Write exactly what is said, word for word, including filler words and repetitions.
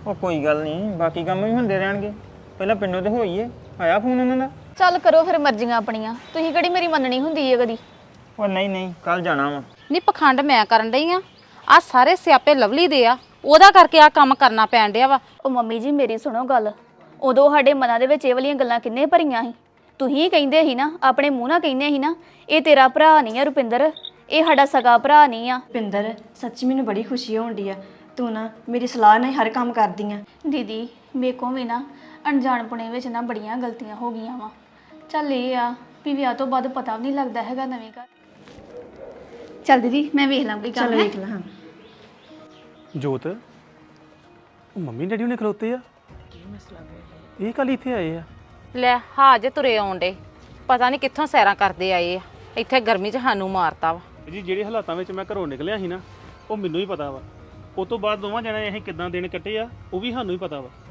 ਉਹ ਕੋਈ ਗੱਲ ਨਹੀਂ, ਬਾਕੀ ਕੰਮ ਵੀ ਹੁੰਦੇ ਰਹਿਣਗੇ। ਪਹਿਲਾਂ ਪਿੰਡੋਂ ਤੇ ਹੋਈਏ, ਆਇਆ ਫੋਨ ਉਹਨਾਂ ਦਾ? ਚੱਲ ਕਰੋ ਫਿਰ ਮਰਜ਼ੀਆਂ ਆਪਣੀਆਂ, ਤੁਸੀਂ ਕਿਹੜੀ ਮੇਰੀ ਮੰਨਣੀ ਹੁੰਦੀ ਹੈ ਕਦੀ। ਉਹ ਨਹੀਂ ਨਹੀਂ, ਕੱਲ ਜਾਣਾ ਵਾ। ਨਹੀਂ ਪਖੰਡ ਮੈਂ ਕਰਨ ਡਈ ਆ ਆ ਸਾਰੇ ਸਿਆਪੇ ਲਵਲੀ ਦੇ ਆ, ਉਹਦਾ ਕਰਕੇ ਆ ਕੰਮ ਕਰਨਾ ਪੈਣ ਡਿਆ ਵਾ। ਉਹ ਮੰਮੀ ਜੀ ਮੇਰੀ ਸੁਣੋ ਗੱਲ, ਉਦੋਂ ਸਾਡੇ ਮਨਾਂ ਦੇ ਵਿੱਚ ਇਹ ਵਾਲੀਆਂ ਗੱਲਾਂ ਕਿੰਨੇ ਭਰੀਆਂ ਸੀ। ਤੁਸੀਂ ਕਹਿੰਦੇ ਸੀ ਨਾ, ਆਪਣੇ ਮੂੰਹ ਨਾਲ ਕਹਿੰਦੇ ਸੀ ਨਾ, ਇਹ ਤੇਰਾ ਭਰਾ ਨਹੀਂ ਆ ਰੁਪਿੰਦਰ, ਇਹ ਸਾਡਾ ਸਗਾ ਭਰਾ ਨਹੀਂ ਆ। ਰੁਪਿੰਦਰ ਸੱਚੀ ਮੈਨੂੰ ਬੜੀ ਖੁਸ਼ੀ ਹੋਣ ਡਈ ਆ, ਤੂੰ ਨਾ ਮੇਰੀ ਸਲਾਹ ਨਾਲ ਹਰ ਕੰਮ ਕਰਦੀ ਆ। ਦੀਦੀ ਮੇਰੇ ਕੋਲ ਵੀ ਨਾ ਅਣਜਾਣਪੁਣੇ ਵਿੱਚ ਨਾ ਬੜੀਆਂ ਗਲਤੀਆਂ ਹੋ ਗਈਆਂ ਵਾ। ਚੱਲ ਇਹ ਆ ਵੀ ਵਿਆਹ ਤੋਂ ਬਾਅਦ ਪਤਾ ਵੀ ਨਹੀਂ ਲੱਗਦਾ ਹੈਗਾ ਨਵੇਂ ਘਰ। ਚੱਲ ਦੀਦੀ ਮੈਂ ਵੇਖ ਲਾਂ ਕੋਈ ਕੰਮ। ਚਲ ਵੇਖ ਲੈ। ਹਾਂ ਜੋਤ, ਉਹ ਮੰਮੀ ਡੈਡੀ ਉਹਨੇ ਖਲੋਤੇ ਆ, ਕੀ ਮਸਲਾ ਹੈ? ਇਹ ਕੱਲ ਇੱਥੇ ਆਏ ਆ? ਲੈ ਹਾਜੇ ਤੁਰੇ ਆਉਂਦੇ, ਪਤਾ ਨਹੀਂ ਕਿੱਥੋਂ ਸੈਰਾਂ ਕਰਦੇ ਆਏ ਆ, ਇੱਥੇ ਗਰਮੀ 'ਚ ਸਾਨੂੰ ਮਾਰਤਾ ਵਾ। ਜੀ ਜਿਹੜੇ ਹਾਲਾਤਾਂ ਵਿੱਚ ਮੈਂ ਘਰੋਂ ਨਿਕਲਿਆ ਸੀ ਨਾ, ਉਹ ਮੈਨੂੰ ਹੀ ਪਤਾ ਵਾ। ਉਸ ਤੋਂ ਬਾਅਦ ਦੋਵਾਂ ਜਣਿਆਂ ਅਸੀਂ ਕਿੱਦਾਂ ਦਿਨ ਕੱਟੇ ਆ, ਉਹ ਵੀ ਸਾਨੂੰ ਹੀ ਪਤਾ ਵਾ।